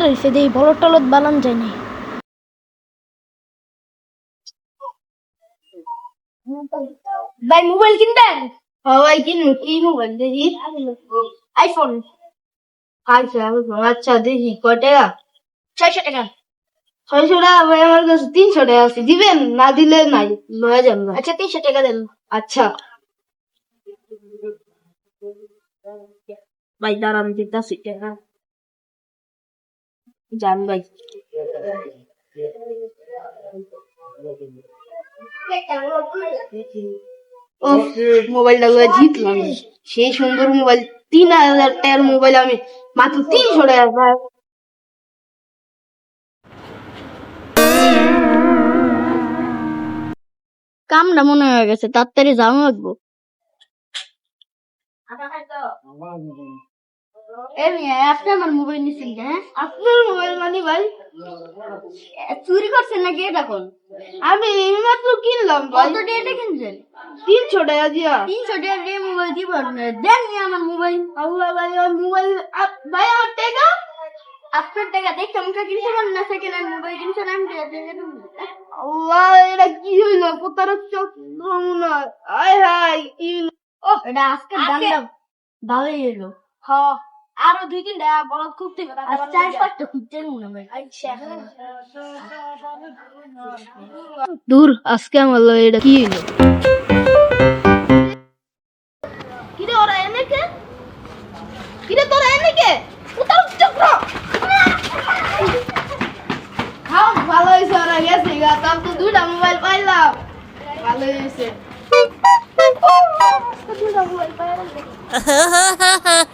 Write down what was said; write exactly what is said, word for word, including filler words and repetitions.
রয়েছে যে বলদ টলদ বানান যায় না। ভাই মোবাইল কিনবেন? ভাই কিনুন। কি মোবাইল দেখি? আইফোন। আচ্ছা আচ্ছা দেখি কয় টাকা? ছয়শো টাকা। ছয়শো টাকা ভাই আমার কাছে তিনশো টাকা আছে, দিবেন? না দিলে নাই, লয়ে যান না। আচ্ছা তিনশো টাকা দেন। আচ্ছা ভাই দাঁড়ান দিতেছি টাকা। যান ভাই। ও মোবাইলটা জিতলাম, সেই সুন্দর মোবাইল। তিন হাজার টাকার মোবাইল আমি মাত্র তিনশো টাকা পাই। কামটা মনে হয়ে গেছে, তাড়াতাড়ি যাওয়া লাগবো। আপনি আমার মোবাইল নিচ্ছেন হ্যাঁ? আপনার মোবাইল মানে ভাই চুরি করছেন নাকি এটা কোন? আমি এইমাত্র কিনলাম ভাই। কত টাকা কিনছেন? তিনশো টাকা দিয়া। তিনশো টাকা দিয়ে মোবাইল দিব? দেন নি আমার মোবাইল। আল্লাহ ভাই আমার মোবাইল ভাই আমার টাকা। আপনার টাকা দেখতে আমাকে কিনতে পারেন না, সেকেন্ড হ্যান্ড মোবাইল কিনছেন আমি টাকা দিয়ে দেবো। আল্লাহ এটা কি হইলো? প্রতারক চক্র মনে হয়। আয় হায় কি হইলো? ও এটা আজকে দামটা ভালোই এলো। হ আরো দুই তিনটা বলদ খুব থেকে আর চার পাঁচটা খুঁজতে মনে হয়। দূর আজকে আমার লগে এটা কি হইলো? কিরে ওরা এনেকে? কিরে তোরা এনেকে? প্রতারক চক্র। খাও ভালো হয়েছে, ওরা গেছে গা। তার তো দুইটা মোবাইল পাইলাম, ভালো হয়েছে। দুইটা মোবাইল পাইলাম।